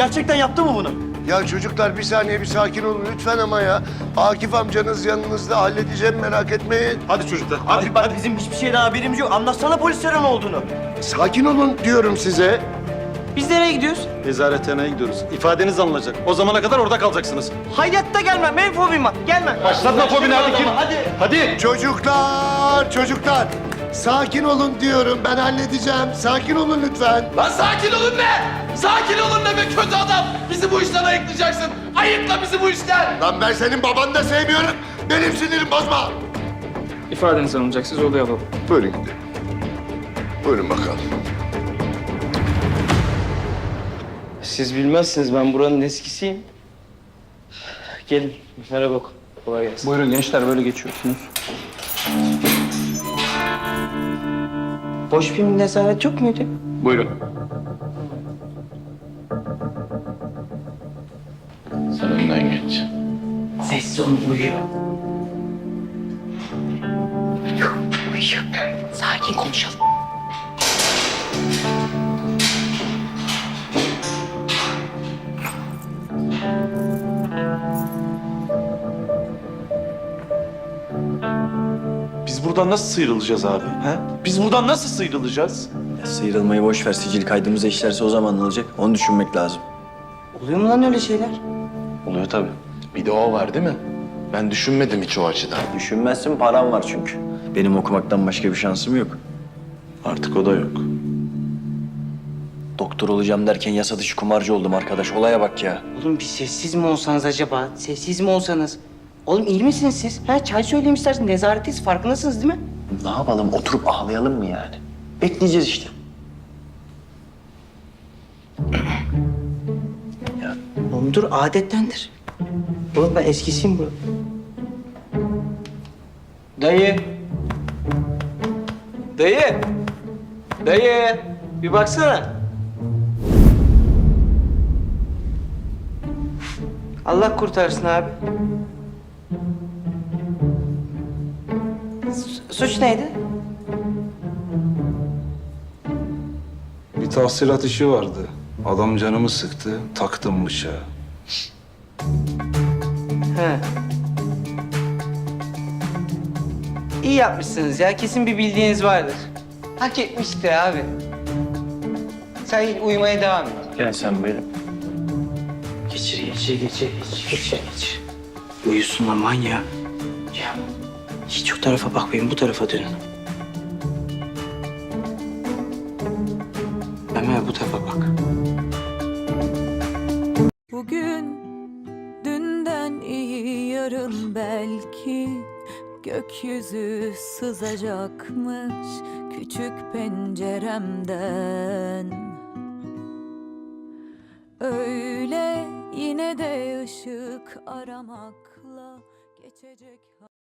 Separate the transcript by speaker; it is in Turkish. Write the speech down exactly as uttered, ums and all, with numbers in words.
Speaker 1: Gerçekten yaptı mı bunu?
Speaker 2: Ya çocuklar bir saniye bir sakin olun lütfen ama ya. Akif amcanız yanınızda, halledeceğim, merak etmeyin.
Speaker 3: Hadi çocuklar, hadi.
Speaker 1: Abi bak bizim hiçbir şeyden haberimiz yok. Anlatsana polislere ne olduğunu.
Speaker 2: Sakin olun diyorum size.
Speaker 1: Biz nereye gidiyoruz?
Speaker 3: Nezarethaneye gidiyoruz. İfadeniz alınacak. O zamana kadar orada kalacaksınız.
Speaker 1: Hayatta gelmem. Benim fobim var. Gelmem.
Speaker 3: Başlatma fobini, hadi gir.
Speaker 1: Hadi.
Speaker 3: Hadi.
Speaker 2: Çocuklar, çocuklar. Sakin olun diyorum, ben halledeceğim. Sakin olun lütfen.
Speaker 4: Lan sakin olun ne? Sakin olun ne be kötü adam? Bizi bu işten ayıklayacaksın. Ayıkla bizi bu işten.
Speaker 2: Lan ben senin babanı da sevmiyorum. Benim sinirim bozma.
Speaker 5: İfadeniz alınacak, siz odaya alalım.
Speaker 2: Buyurun gidelim. Buyurun bakalım.
Speaker 1: Siz bilmezsiniz. Ben buranın eskisiyim. Gelin. Merhaba. Kolay gelsin.
Speaker 5: Buyurun gençler, böyle geçiyorsunuz.
Speaker 1: Boş bir nezaret yok muydu?
Speaker 5: Buyurun.
Speaker 4: Sen önden geç.
Speaker 1: Sessiz olun. Uyuyor. Yok. Uyuyor. Sakin konuşalım.
Speaker 6: Biz buradan nasıl sıyrılacağız abi? He? Biz buradan nasıl sıyrılacağız?
Speaker 7: Ya sıyrılmayı boş ver. Sicil kaydımıza işlerse o zaman ne olacak? Onu düşünmek lazım.
Speaker 1: Oluyor mu lan öyle şeyler?
Speaker 4: Oluyor tabii. Bir de o var değil mi? Ben düşünmedim hiç o açıdan.
Speaker 7: Düşünmezsin, param var çünkü. Benim okumaktan başka bir şansım yok.
Speaker 6: Artık o da yok.
Speaker 7: Doktor olacağım derken yasa dışı kumarcı oldum arkadaş. Olaya bak ya.
Speaker 1: Oğlum bir sessiz mi olsanız acaba? Sessiz mi olsanız? Oğlum iyi misiniz siz? Ha, çay söyleyeyim isterseniz. Nezaretteyiz. Farkındasınız değil mi?
Speaker 7: Ne yapalım? Oturup ağlayalım mı yani? Bekleyeceğiz işte.
Speaker 1: Oğlum dur, adettendir. Oğlum ben eskisiyim bu. Dayı. Dayı. Dayı. Bir baksana. Allah kurtarsın abi. Su- suç neydi?
Speaker 8: Bir tahsilat işi vardı. Adam canımı sıktı, taktım bıçağı.
Speaker 1: He. İyi yapmışsınız ya. Kesin bir bildiğiniz vardır. Hak etmişti abi. Sen uyumaya devam et.
Speaker 7: Gel sen benim.
Speaker 1: Geçir, geçir, geçir, geçir, geçir, geçir. Uyusun aman ya. Ya hiç o tarafa bakmayın, bu tarafa dönün. Hemen bu tarafa bak.
Speaker 9: Bugün dünden iyi, yarın belki gökyüzü sızacakmış küçük penceremden. Öyle yine de ışık aramakla geçecek.